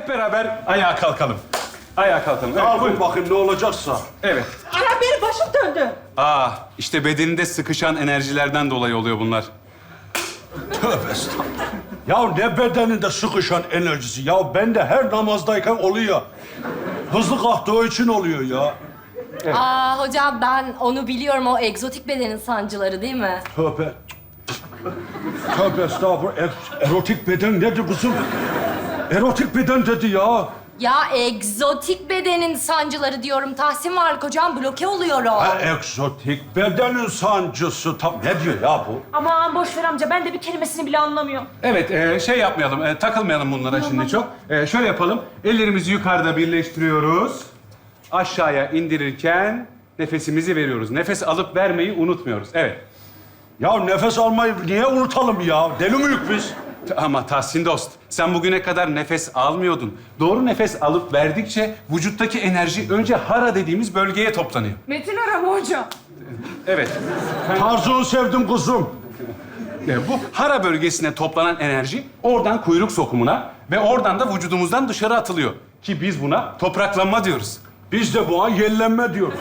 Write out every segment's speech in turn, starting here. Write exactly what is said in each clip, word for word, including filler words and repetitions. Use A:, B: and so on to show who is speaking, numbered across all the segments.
A: hep beraber ayağa kalkalım. Ayağa kalkalım. Evet,
B: Kalkın
A: buyurun.
B: bakayım ne olacaksa.
A: Evet.
C: Ana benim başım döndü.
A: Aa, işte bedeninde sıkışan enerjilerden dolayı oluyor bunlar.
B: Tövbe estağfurullah. Ya ne bedeninde sıkışan enerjisi. Ya ben de her namazdayken oluyor. Hızlı kalktığı için oluyor ya.
D: Aa hocam ben onu biliyorum. O egzotik bedenin sancıları değil mi?
B: Tövbe. Tövbe estağfurullah. Er- erotik beden nedir kızım? Erotik beden dedi ya.
D: Ya egzotik bedenin sancıları diyorum. Tahsin Varlık hocam bloke oluyorum.
B: Ha, egzotik bedenin sancısı. Tam ne diyor ya bu?
C: Aman boş ver amca ben de bir kelimesini bile anlamıyorum.
A: Evet, e, şey yapmayalım, e, takılmayalım bunlara şimdi çok. E, şöyle yapalım, ellerimizi yukarıda birleştiriyoruz. Aşağıya indirirken nefesimizi veriyoruz. Nefes alıp vermeyi unutmuyoruz. Evet.
B: Ya nefes almayı niye unutalım ya? Deli miyiz biz?
A: Ama Tahsin dost, sen bugüne kadar nefes almıyordun. Doğru nefes alıp verdikçe vücuttaki enerji önce hara dediğimiz bölgeye toplanıyor.
C: Metin arama hocam.
A: Evet.
B: Tarzını sevdim kızım.
A: E, bu hara bölgesine toplanan enerji oradan kuyruk sokumuna ve oradan da vücudumuzdan dışarı atılıyor. Ki biz buna topraklanma diyoruz.
B: Biz de bu an yellenme diyoruz.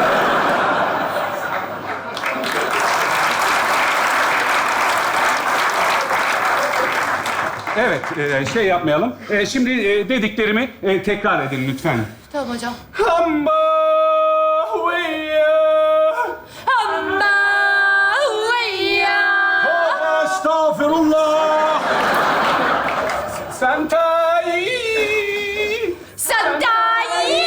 A: Evet, e, şey yapmayalım. E, şimdi e, dediklerimi e, tekrar edin lütfen.
D: Tamam hocam.
A: Hamba
B: Tövbe estağfirullah.
A: Santai
D: Sandai!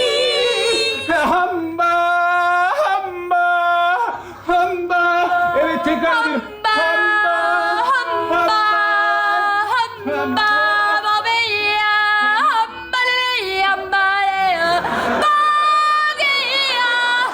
A: Hamba hamba hamba. Evet, tekrar edelim.
D: Hamba, hamba, hamba, babeya, hambaleya, hambaleya, bageya.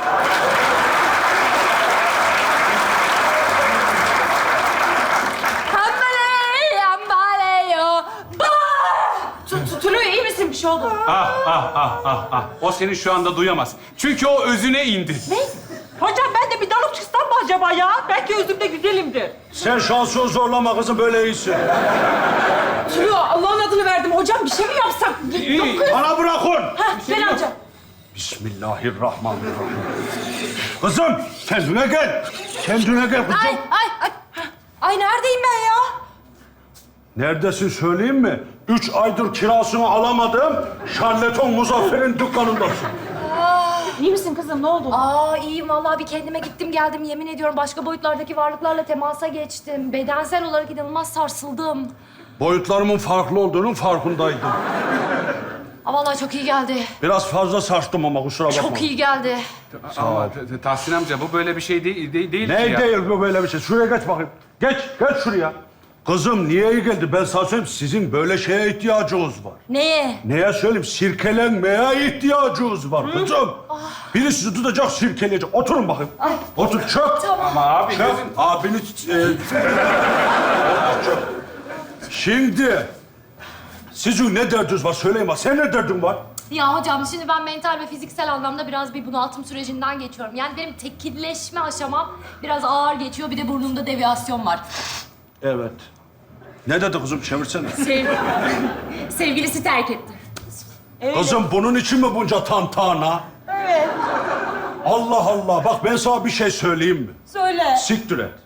D: Hambaleya, hambaleya, ba-
C: Tutuluyor iyi misin bir şey oldu?
A: Ah ah ah ah ah. O seni şu anda duyamaz. Çünkü o özüne indi.
C: Ne? Hocam ben de bir dalıp çıksam mı acaba ya? Belki özümde güzelimdir.
B: Sen şansını zorlama kızım, böyle iyisin.
C: Tülü Allah'ın adını verdim. Hocam bir şey mi yapsak?
A: İyi.
C: Yok kız.
B: Bana bırakın.
C: Hah gel amca.
B: Bismillahirrahmanirrahim. Kızım, kendine gel. Kendine gel kızım.
D: Ay, ay, ay. Ay neredeyim ben ya?
B: Neredesin söyleyeyim mi? Üç aydır kirasını alamadım. Şarleton Muzaffer'in dükkanındasın.
C: İyi misin kızım? Ne oldu?
D: Aa iyiyim vallahi bir kendime gittim geldim yemin ediyorum başka boyutlardaki varlıklarla temasa geçtim. Bedensel olarak inanılmaz sarsıldım.
B: Boyutlarımın farklı olduğunun farkındaydım.
D: Aa, vallahi çok iyi geldi.
B: Biraz fazla sarstım ama kusura bakma.
D: Çok iyi geldi.
A: Ama T- T- Tahsin amca bu böyle bir şey değil, değil, değil ki
B: Ne
A: ya.
B: değil bu böyle bir şey? Şuraya geç bakayım. Geç, geç şuraya. Kızım niye iyi geldi? Ben sana söyleyeyim, sizin böyle şeye ihtiyacınız var.
D: Neye?
B: Neye söyleyeyim? Sirkelenmeye ihtiyacınız var kızım. Biri sizi tutacak, sirkeleyecek. Oturun bakayım. Otur, çök.
A: Ama abi
B: Çök.
A: gözün...
B: Abini... E... Çök. Şimdi... Sizin ne derdiniz var? Söyleyin bak. Sen ne derdin var?
D: Ya hocam şimdi ben mental ve fiziksel anlamda biraz bir bunaltım sürecinden geçiyorum. Yani benim tekilleşme aşamam biraz ağır geçiyor. Bir de burnumda deviyasyon var.
B: Evet. Ne dedi kızım? Çevirsene.
D: Sev... Sevgilisi terk etti.
B: Kızım bunun için mi bunca tantana?
C: Evet.
B: Allah Allah. Bak ben sana bir şey söyleyeyim mi?
C: Söyle.
B: Siktir et.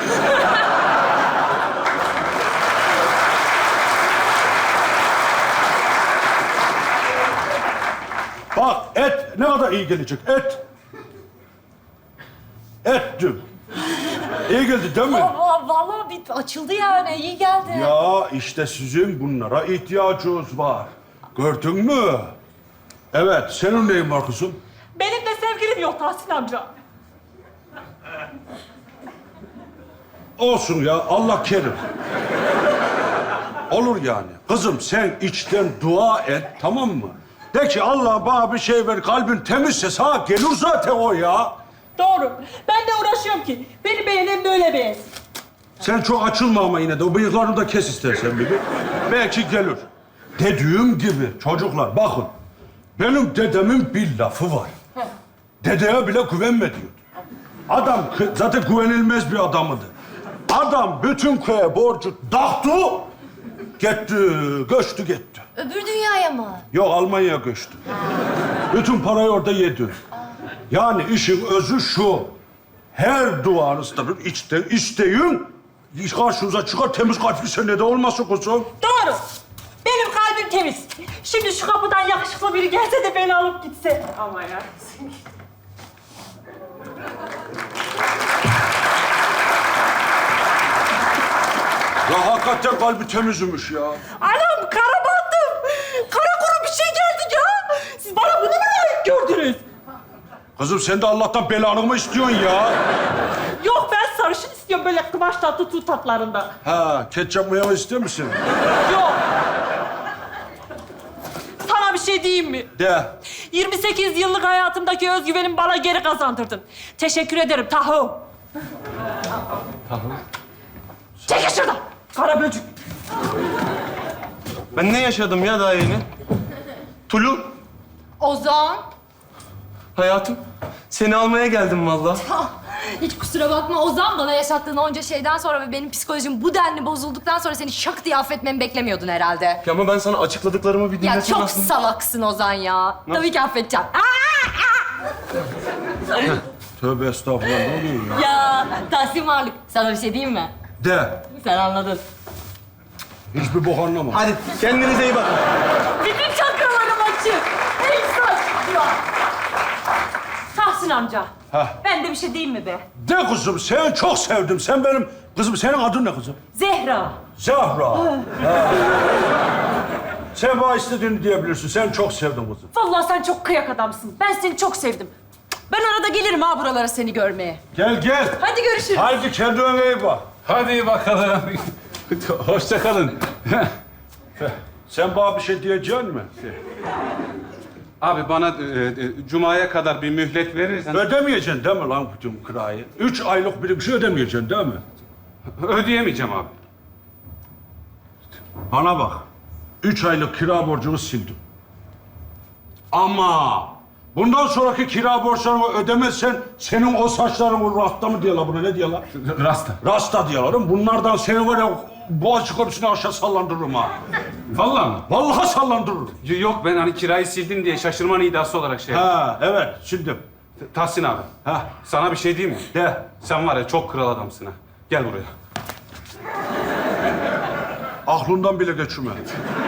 B: Bak et ne kadar iyi gelecek. Et. Ettim. İyi geldi değil mi?
D: Aa, vallahi bir açıldı yani iyi geldi.
B: Ya işte sizin bunlara ihtiyacınız var. Gördün mü? Evet. Senin neyin var kızım?
C: Benim de sevgilim yok Tahsin amca.
B: Olsun ya. Allah kerim. Olur yani. Kızım sen içten dua et, tamam mı? De ki Allah bana bir şey ver, kalbin temizse sana gelir zaten o ya.
C: Doğru. Ben de uğraşıyorum ki. Beni beğenen böyle beğensin.
B: Sen çok açılma ama yine de o bıyıklarını da kes istersen bir. Belki gelir. Dediğim gibi çocuklar bakın. Benim dedemin bir lafı var. Dedeye bile güvenme diyor. Adam kı- zaten güvenilmez bir adamıdır. Adam bütün köye borcu taktı. Gitti, göçtü gitti.
D: Öbür dünyaya mı?
B: Yok, Almanya'ya göçtü. Bütün parayı orada yedi. Yani işin özü şu. Her duanızda bir iste, isteyin, karşınıza çıkar temiz kalpli sen de olmasın kuzum.
C: Doğru. Benim kalbim temiz. Şimdi şu kapıdan yakışıklı biri gelse de beni alıp gitse. Ama ya.
B: Ya hakikaten kalbi temizmiş ya.
C: Anam kara bandım. Kara kuru bir şey geldi ya. Siz bana bunu mu layık gördünüz?
B: Kızım sen de Allah'tan belanı mı istiyorsun ya?
C: Yok ben sarışın istiyorum böyle kıvaç tatlı tut tatlarında.
B: Ha, ketçap mı istiyor musun?
C: Yok. Sana bir şey diyeyim mi?
B: De.
C: yirmi sekiz yıllık hayatımdaki özgüvenimi bana geri kazandırdın. Teşekkür ederim Tahu.
A: Tahu?
C: Çekil şuradan. Kara böcük.
E: Ben ne yaşadım ya daha yeni? Tulu,
D: Ozan.
E: hayatım. Seni almaya geldim vallahi.
D: Hiç kusura bakma Ozan, bana yaşattığın onca şeyden sonra ve benim psikolojim bu denli bozulduktan sonra seni şak diye affetmemi beklemiyordun herhalde.
E: Ya ama ben sana açıkladıklarımı bir
D: Ya
E: dinlesin
D: çok
E: aslında.
D: salaksın Ozan ya. Tabii ki affedeceğim.
B: Tövbe estağfurullah, ne oluyor ya?
D: Ya Tahsin Varlık, sana bir şey diyeyim mi?
B: De.
D: Sen anladın.
B: Hiçbir bok anlama.
E: Hadi kendinize iyi bakın.
C: Bütün çakralarım açık. Hepsi açık diyor. Tahsin amca.
B: Hah.
C: Ben de bir şey diyeyim mi be?
B: De kızım, sen çok sevdim. Sen benim... Kızım, senin adın ne kızım?
C: Zehra.
B: Zahra. Ha. Sen bana istediğini diyebilirsin. Sen çok sevdim kızım.
C: Vallahi sen çok kıyak adamsın. Ben seni çok sevdim. Ben arada gelirim ha buralara seni görmeye.
B: Gel gel.
C: Hadi görüşürüz.
B: Haydi kendine iyi bak.
A: Hadi bakalım. Hoşça kalın.
B: Sen bana bir şey diyeceksin mi?
A: Abi bana e, e, Cuma'ya kadar bir mühlet verirsen
B: Ödemeyeceksin değil mi lan bütün kirayı? Üç aylık bir şey ödemeyeceksin değil mi?
A: ödeyemeyeceğim abi.
B: Bana bak. Üç aylık kira borcunu sildim. Ama bundan sonraki kira borçlarını ödemezsen senin o saçların rasta mı diyorlar buna, ne diyorlar?
A: Rasta.
B: Rasta diyorlar. Bunlardan seni var ya Boğaziçi Köprüsü'ne aşağı sallandırırım ha.
A: Vallahi mı?
B: Vallahi sallandırırım.
A: Y- Yok ben hani kirayı sildin diye şaşırma nidası olarak şey yaptım.
B: Ha evet sildim.
A: Tahsin abi.
B: Ha
A: Sana bir şey diyeyim mi?
B: de.
A: Sen var ya çok kral adamsın ha. Gel buraya.
B: Aklından bile geçirme.